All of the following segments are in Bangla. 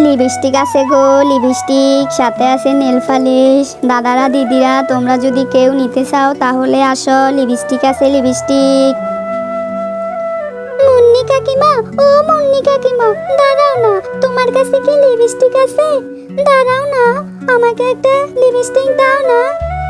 লিপস্টিক আছে গো, লিপস্টিক, সাথে আছে নেল পালিশ। দাদারা দিদিরা তোমরা যদি কেউ নিতে চাও তাহলে আসো, লিপস্টিক আছে লিপস্টিক। মুন্নি কাকিমা, ও মুন্নি কাকিমা, দাঁড়াও না, তোমার কাছে কি লিপস্টিক আছে? দাঁড়াও না, আমাকে একটা লিপস্টিক দাও না।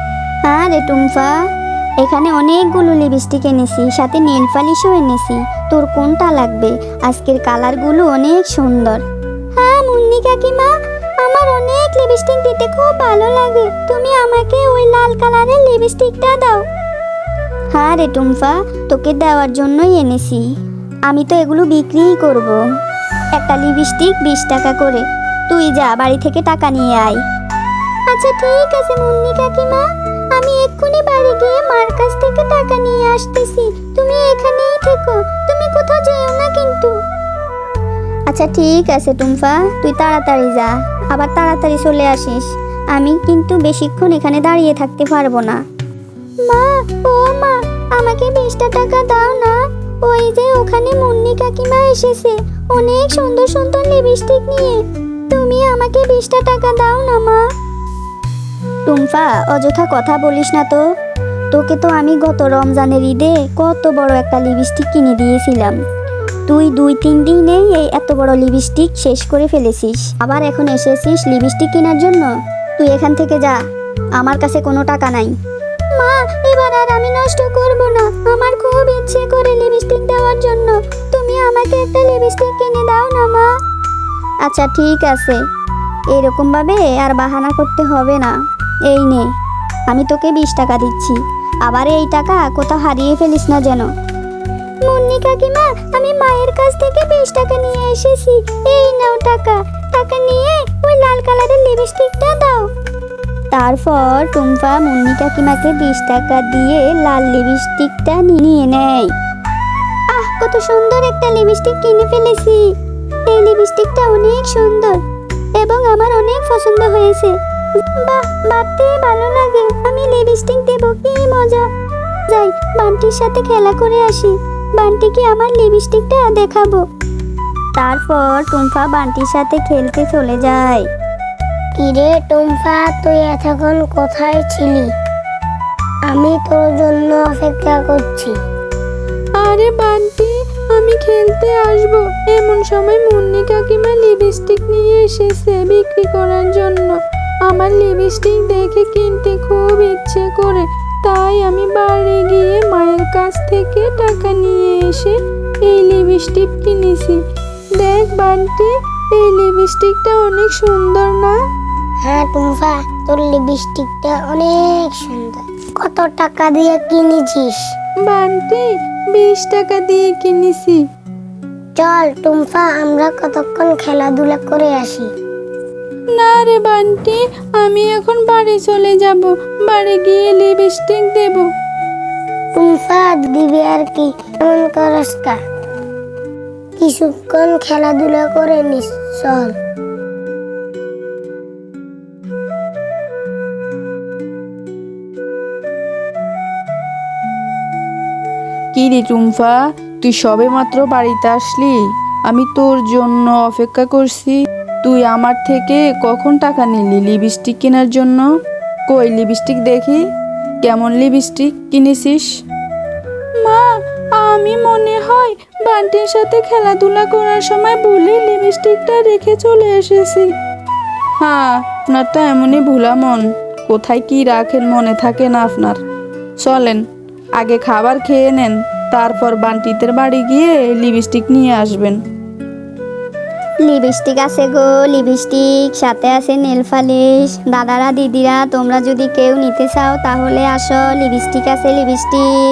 আরে টুম্পা, এখানে অনেকগুলো লিপস্টিক এনেছি, সাথে নেল পালিশও এনেছি। তোর কোনটা লাগবে? আজকের কালারগুলো অনেক সুন্দর। হ্যাঁ মুন্নি কাকিমা, আমার অনেক লিপস্টিক দিতে খুব ভালো লাগে, তুমি আমাকে ওই লাল কালারের লিপস্টিকটা দাও। হ্যাঁ রে টুম্পা, তোকে দেওয়ার জন্যই এনেছি। আমি তো এগুলো বিক্রিই করব। একটা লিপস্টিক 20 টাকা করে। তুই যা, বাড়ি থেকে টাকা নিয়ে আয়। আচ্ছা ঠিক আছে মুন্নি কাকিমা, আমি এক্ষুনি বাড়ি গিয়ে মার কাছ থেকে টাকা নিয়ে আসতেছি। তুমি এখানেই থেকো, তুমি কোথাও যেও না কিন্তু। আচ্ছা ঠিক আছে টুম্পা, তুই তাড়াতাড়ি যা, আবার তাড়াতাড়ি চলে আসিস। আমি কিন্তু বেশিক্ষণ এখানে দাঁড়িয়ে থাকতে পারবো না। মা, ও মা, আমাকে 20টা টাকা দাও না। ওই যে ওখানে মুন্নি কাকিমা এসেছে অনেক সুন্দর সুন্দর লিপস্টিক নিয়ে। তুমি আমাকে 20টা টাকা দাও না মা। টুম্পা, অযথা কথা বলিস না তো। তোকে তো আমি গত রমজানের ঈদে কত বড় একটা লিপস্টিক কিনে দিয়েছিলাম। তুই 2-3 দিনেই এই এত বড় লিপস্টিক শেষ করে ফেলেছিস, আবার এখন এসেছিস লিপস্টিক কেনার জন্য। তুই এখান থেকে যা, আমার কাছে কোনো টাকা নাই। মা, এবার আর আমি নষ্ট করব না, আমার খুব ইচ্ছে করে লিপস্টিক দেওয়ার জন্য। তুমি আমাকে একটা লিপস্টিক কিনে দাও না মা। আচ্ছা ঠিক আছে, এরকম ভাবে আর বাহানা করতে হবে না। এই নে, আমি তোকে 20 টাকা দিচ্ছি, আবার এই টাকা কোথাও হারিয়ে ফেলিস না যেন। মুন্নি কাকিমা, আমি মায়ের কাছ থেকে 20 টাকা নিয়ে এসেছি, এই নাও টাকা। টাকা নিয়ে ওই লাল কালারের লিপস্টিকটা দাও। তারপর টুম্পা মুন্নি কাকিমাকে 20 টাকা দিয়ে লাল লিপস্টিকটা নিয়ে নেয়। আহ, কত সুন্দর একটা লিপস্টিক কিনে ফেলেছি। এই লিপস্টিকটা অনেক সুন্দর এবং আমার অনেক পছন্দ হয়েছে। বাহ, ভাবতেই ভালো লাগে আমি লিপস্টিক দেব, কি মজা। যাই, বান্টির সাথে খেলা করে আসি, বান্টিকে আমার লিপস্টিকটা দেখাবো। তারপর টুম্পা বান্টির সাথে খেলতে চলে যায়। কিরে টুম্পা, তুই এতক্ষণ কোথায় ছিলি? আমি তোর জন্য অপেক্ষা করছি। আরে বান্টি, আমি খেলতে আসব এমন সময় মুন্নি কাকিমা লিপস্টিক নিয়ে এসেছে বিক্রি করার জন্য। আমার লিপস্টিক দেখে কিনতে খুব ইচ্ছে করে, তাই আমি বাড়ি গিয়ে মায়ের কাছ থেকে টাকা নিয়ে এসে এই লিপস্টিক কিনেছি। দেখ বান্টি, এই লিপস্টিকটা অনেক সুন্দর না? হ্যাঁ টুম্পা, তোর লিপস্টিকটা অনেক সুন্দর। কত টাকা দিয়ে কিনেছিস? বান্টি, 20 টাকা দিয়ে কিনেছি। চল টুম্পা, আমরা কতক্ষণ খেলাধুলা করে আসি। না রে বান্টি, আমি এখন বাড়ি চলে যাব, বাড়ি গিয়ে লিপস্টিক দেব। টুম্পা, দিবি আর কি, এমন করস কা? কিছুক্ষণ খেলাধুলা করে নিস, চল। কি রে টুম্পা, তুই সবে মাত্র বাড়িতে আসলি? আমি তোর জন্য অপেক্ষা করছি। তুই আমার থেকে কখন টাকা নিলি লিপস্টিক কেনার জন্য? কই লিপস্টিক দেখি, কেমন লিপস্টিক কিনেছিস? মা, আমি মনে হয় বান্টির সাথে খেলাধুলা করার সময় ভুলে লিপস্টিকটা রেখে চলে এসেছি। হ্যাঁ, আপনার তো এমনই ভোলা মন, কোথায় কি রাখেন মনে থাকে না আপনার। চলেন, আগে খাবার খেয়ে নেন, তারপর বান্টিদের বাড়ি গিয়ে লিপস্টিক নিয়ে আসবেন। লিপস্টিক আছে গো, লিপস্টিক, সাথে আছে নেল পালিশ। দাদারা দিদিরা তোমরা যদি কেউ নিতে চাও তাহলে আসো, লিপস্টিক আছে লিপস্টিক।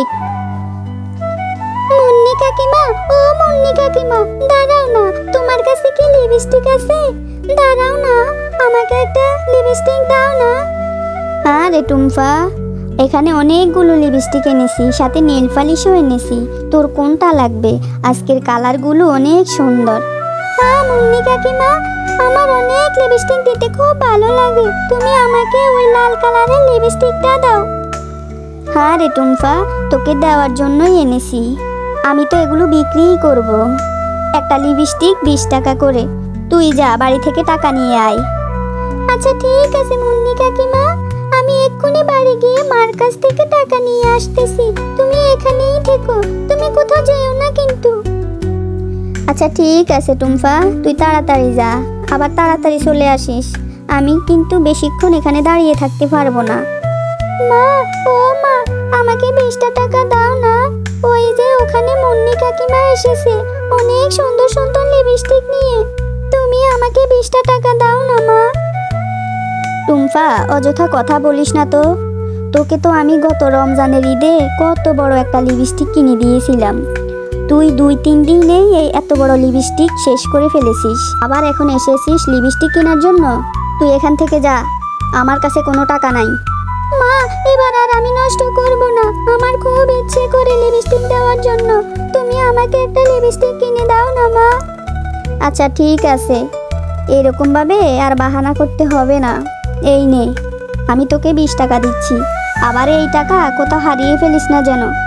মুন্নি কাকিমা, ও মুন্নি কাকিমা, দাঁড়াও না, তোমার কাছে কি লিপস্টিক আছে? দাঁড়াও না, আমাকে একটা লিপস্টিক দাও না। হ্যাঁ রে টুম্পা, এখানে অনেকগুলো লিপস্টিক এনেছি, সাথে নেল পালিশও এনেছি। তোর কোনটা লাগবে? আজকের কালারগুলো অনেক সুন্দর। হ্যাঁ মুন্নি কাকিমা, আমার অনেক লিপস্টিক দিতে খুব ভালো লাগে, তুমি আমাকে ওই লাল কালারের লিপস্টিকটা দাও। হ্যাঁ রে টুম্পা, তোকে দেওয়ার জন্যই এনেছি। আমি তো এগুলো বিক্রিই করব। একটা লিপস্টিক 20 টাকা করে। তুই যা বাড়ি থেকে টাকা নিয়ে আয়। আচ্ছা ঠিক আছে মুন্নি কাকিমা, আমি এক্ষুনি বাড়ি গিয়ে মার কাছ থেকে টাকা নিয়ে আসতেছি। তুমি এখানেই থেকো, তুমি কোথাও যেও না কিন্তু। আচ্ছা ঠিক আছে টুম্পা, তুই তাড়াতাড়ি যা, আবার তাড়াতাড়ি চলে আসিস। আমি কিন্তু বেশিক্ষণ এখানে দাঁড়িয়ে থাকতে পারবো না। মা, ও মা, আমাকে 20টা টাকা দাও না। ওই যে ওখানে মুন্নি কাকিমা এসেছে অনেক সুন্দর সুন্দর লিপস্টিক নিয়ে। তুমি আমাকে 20টা টাকা দাও না মা। টুম্পা, অযথা কথা বলিস না তো। তোকে তো আমি গত রমজানের ঈদে কত বড় একটা লিপস্টিক কিনে দিয়েছিলাম। তুই 2-3 দিনেই এই এত বড় লিপস্টিক শেষ করে ফেলেছিস, আবার এখন এসেছিস লিপস্টিক কেনার জন্য। তুই এখান থেকে যা, আমার কাছে কোনো টাকা নাই। মা, এবার আর আমি নষ্ট করব না, আমার খুব ইচ্ছে করে লিপস্টিক দেওয়ার জন্য। তুমি আমাকে একটা লিপস্টিক কিনে দাও না মা। আচ্ছা ঠিক আছে, এরকম ভাবে আর বাহানা করতে হবে না। এই নে, আমি তোকে 20 টাকা দিচ্ছি, আবার এই টাকা কোথাও হারিয়ে ফেলিস না যেন।